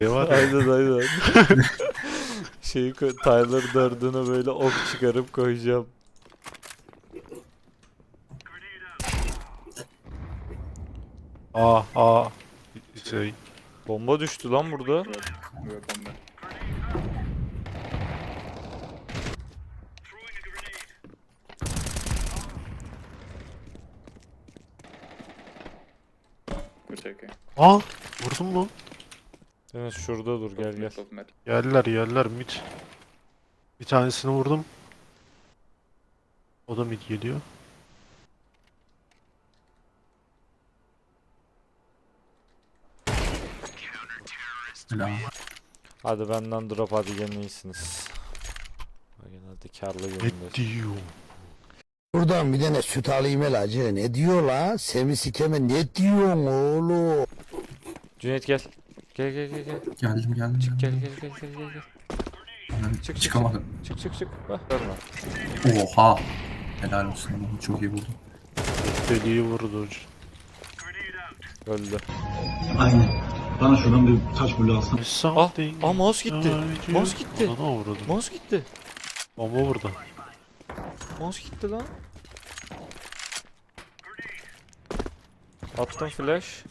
var. Aynen. Tyler Durden'a böyle ok çıkarıp koyacağım. Şey. Bomba düştü lan burada. Weapon there. Good taking. Vurdun mu? Deniz şurada dur gel gel. Top mid. Geldiler mid. Bir tanesini vurdum. O da mid geliyor. Hadi benden drop hadi gene iyisiniz. Hadi karlı Ne günündeyiz. diyor? Buradan bir tane süt alayım el acı. Ne diyor la? Semi sikeme ne diyorsun oğlum? Cüneyt gel. Gel. Geldim. Çık gel. Ben Çık. çıkamadım. Çık. Bak görme. Oha. Helal olsun. Bunu çok iyi buldum. Deliği vurdu hocam. Öldü. Aynen. Bana şuradan bir taş bulu alsana. Mouse gitti. Mouse gitti. Ona vurdu. Mouse gitti. Bomba vurdu. Mouse gitti lan. Attım flash.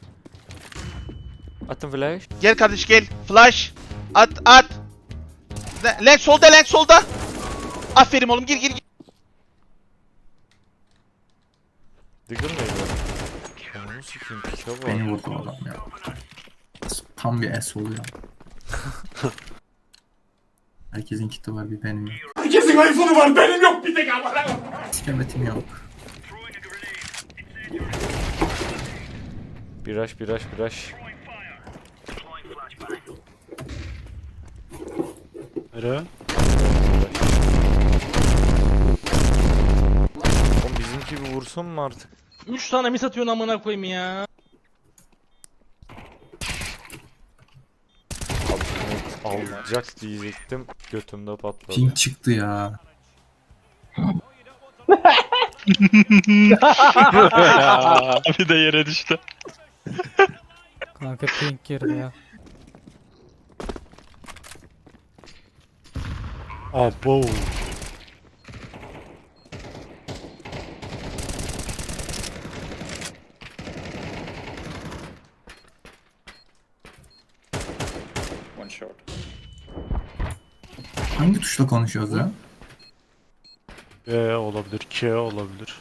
Gel kardeş gel. Flash. At. Lens solda. Aferin oğlum gir. Diggle mıydı? Onu sikeyim pike var. Beni vurdu adam ya. Tam bir S oluyor. Herkesin kiti var bir benim yok. Herkesin iPhone'u var benim yok bir tek ama. İskemetim yok. Biraş. Nereye? Oğlum bizimki bir vursun mu artık? 3 tane mis atıyorsun amına koyayım ya. Alacak diyecektim. Götümde patladı. Ping çıktı ya. Bir de yere düştü. Kanka pink girdi ya. Abo. One shot. Hangi tuşla konuşuyoruz ya? B olabilir, K olabilir.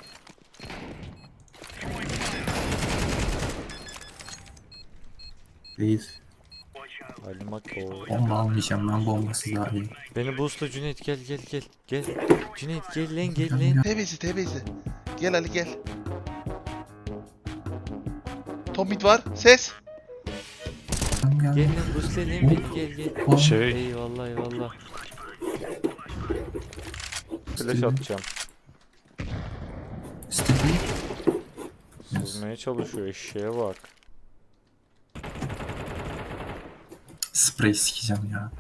Değil. Alimako. Bomba almayacağım ben bombası daha iyi. Beni boostla Cüneyt gel. Cüneyt gel lan. Tebezi. Gel Ali gel. Top mid var. Ses. Gel. Gel lan boostla lan beni gel. Şey, Eyvallah. Flash atacağım. Sticky. Sızmaya çalışıyor eşeğe bak. Sprey sikeceğim ya.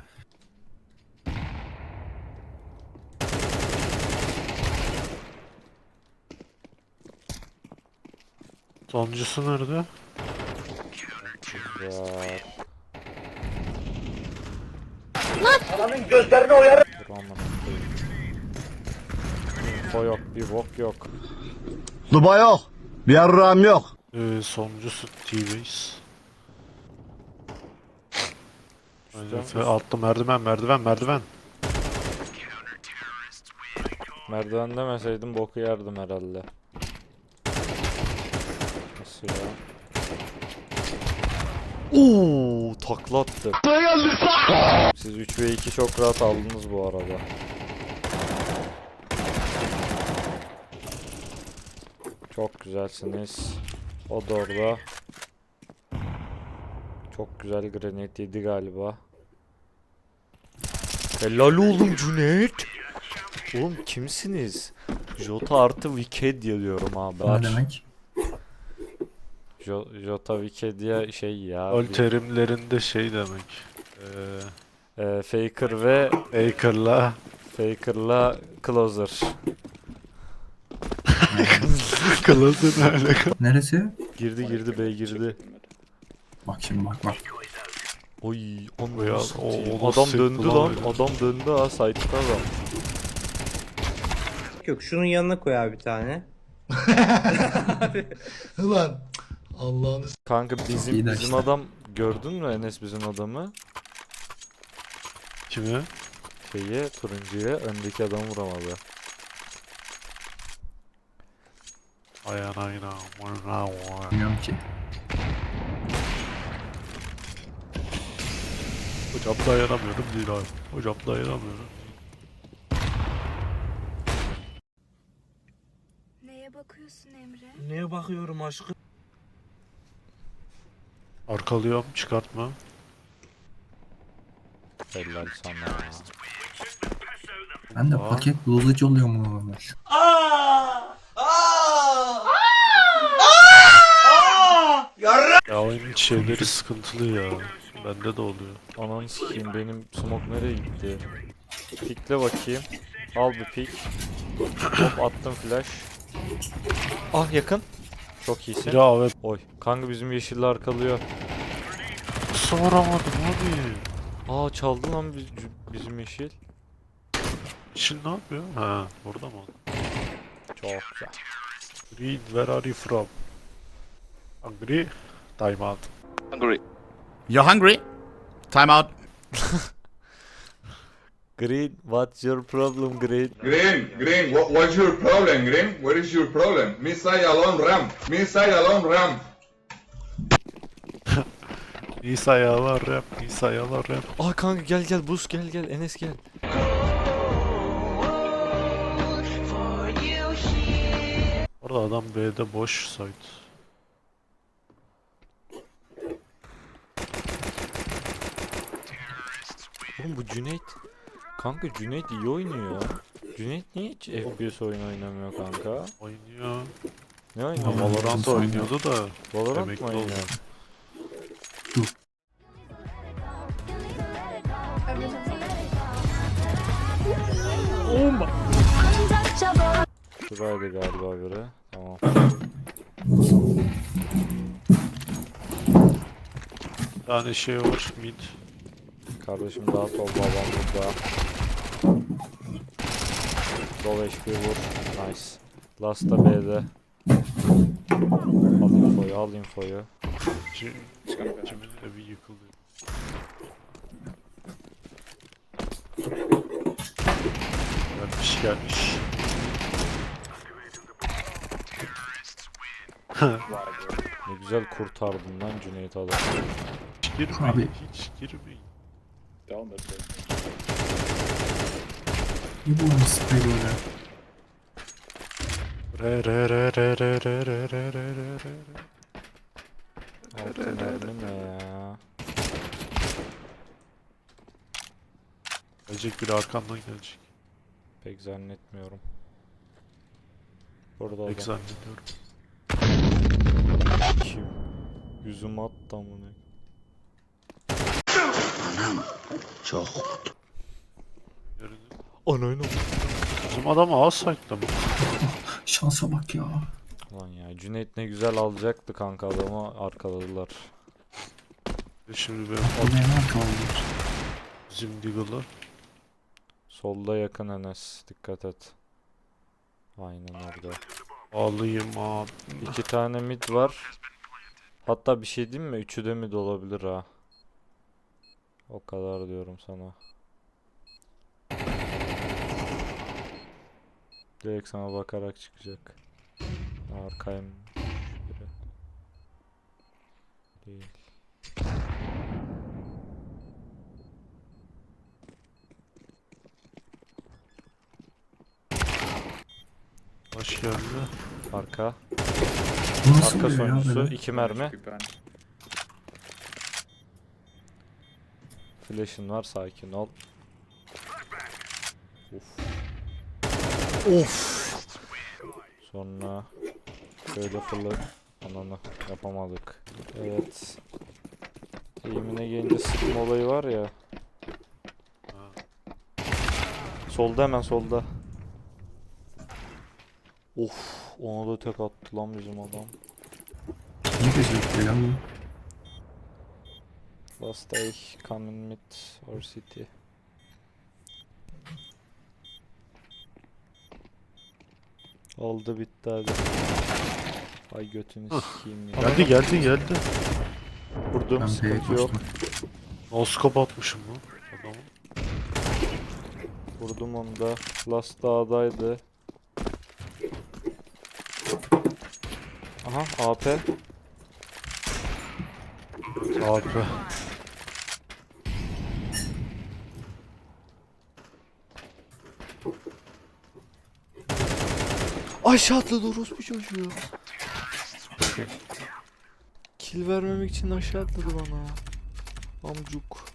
sonuncusu nerede? Ya. Adamın gözlerini oyarım. Dur aman. Info yok, bir bok yok. Duba yok. Bir yarrağım yok. Sonuncusu T-Base. Üstten- Altta merdiven. Merdiven demeseydim boku yerdim herhalde. Nasıl ya? Ooo taklattı. Siz 3 ve 2 çok rahat aldınız bu arada. Çok güzelsiniz. O da orada. Çok güzel granit yedi galiba. Helal oğlum Cüneyt. Oğlum kimsiniz? Jota artı Wikidia diyorum abi. O ne demek? Jota Wikidia şey ya. Ol terimlerinde şey demek. Faker ve Faker'la Closer. Closer ne? Neresi? Girdi B girdi. Bak şimdi bak. Oy, O onu ya, satayım. o Adam nasıl döndü sekti lan lan. öyle? Adam döndü ha, site'da adam. Yok, şunun yanına koy abi bir tane. Ulan Allah'ını Kanka İyi bizim de bizim işte. adam gördün mü Enes, bizim adamı? Kimi? Şeyi, turuncuya, öndeki adamı vuramadı. Ayağına yine. Bilmiyorum ki. Hocam dayanamıyorum değil abi. Hocam dayanamıyorum. Neye bakıyorsun Emre? Neye bakıyorum aşkım? Arkalıyorum, çıkartma. Helal sana. Ben de Aa. paket bulucu oluyormuş. Ya oyunun şeyleri sıkıntılı ya. Bende de oluyor. Ananı sikeyim, benim smoke nereye gitti? Pikle bakayım. Al bir pik. Hop, attım flash. Ah, yakın. Çok iyisin. Ya evet. Oy. Kanka bizim yeşilli arkalıyor. Soramadım abi. Aa, çaldı lan bizim yeşil. Şimdi ne yapıyor? Ha, orada mı? Çok güzel. Green, where are you from? Hungry? Time out. You're hungry? Time out. Green, what's your problem, Green? Green, what's your problem, Green? What is your problem? Missile alone ram. Missile alone ram. Nisa yalar rap, Nisa yalar rap. Aa kanka, gel buz, gel Enes gel. Orada adam B'de boş site. Oğlum bu Cüneyt. Kanka Cüneyt iyi oynuyor. Cüneyt niye hiç FPS oyun oynamıyor kanka? Oynuyor. Ne Ya oynuyor? Valorant Valorant oynuyordu da. Valorant emekli mı oldu. oynuyor? Şuraydı galiba biri. Tamam. Bir tane şey var mid. Kardeşim daha sol, babam burada. Sol HP vur. Nice. Last'ta B'de. Al infoyu. Cimin evi yıkılıyor. Gelmiş. Ne güzel kurtardın lan Cüneyt adam. Hiç girmeyin, Abi. hiç girmeyin. Down that way. Ne bu oyun sprey böyle? Re. Altı mermi ne ya? Gelecek biri arkandan gelecek. Pek zannetmiyorum. Burada Pek adam. zannediyorum. Kim? Yüzüme attı amına. Görünüyor. Anayın. Bizim adam A site'da mı? Şansa bak ya. Lan ya, Cüneyt ne güzel alacaktı kanka, adamı arkaladılar. Şimdi benim O ne kaldı? bizim Deagle'ı. Solda yakın Enes, dikkat et. Aynen orada. Alayım abi. 2 tane mid var. Hatta bir şey diyeyim mi? 3'ü de mid olabilir ha. O kadar diyorum sana. Direkt sana bakarak çıkacak. Arkayım. Biri. Değil. Hoş geldi. Arka. Bu nasıl Arka oluyor ya sonuncusu. böyle? 2 mermi. Keep behind. Flash'ın var, sakin ol. Of. Sonra şöyle fırlat. Ananı yapamadık. Evet. Eğimine gelince sıkma olayı var ya. Solda, hemen solda. Of, ona da tek attı lan bizim adam. Ne gözüküyor ya bu? Last day coming mid or city. Oldu bitti hadi. Ay götünü sikeyim ya. Geldi. Vurdum Ben B'ye sıkıntı yok. koştum. Noskop atmışım lan. Adamı. Vurdum onu da. Last dağdaydı. Aha AP. Abi. Aşağı atladı orospu çocuğu. Kill vermemek için aşağı atladı bana. Amcuk.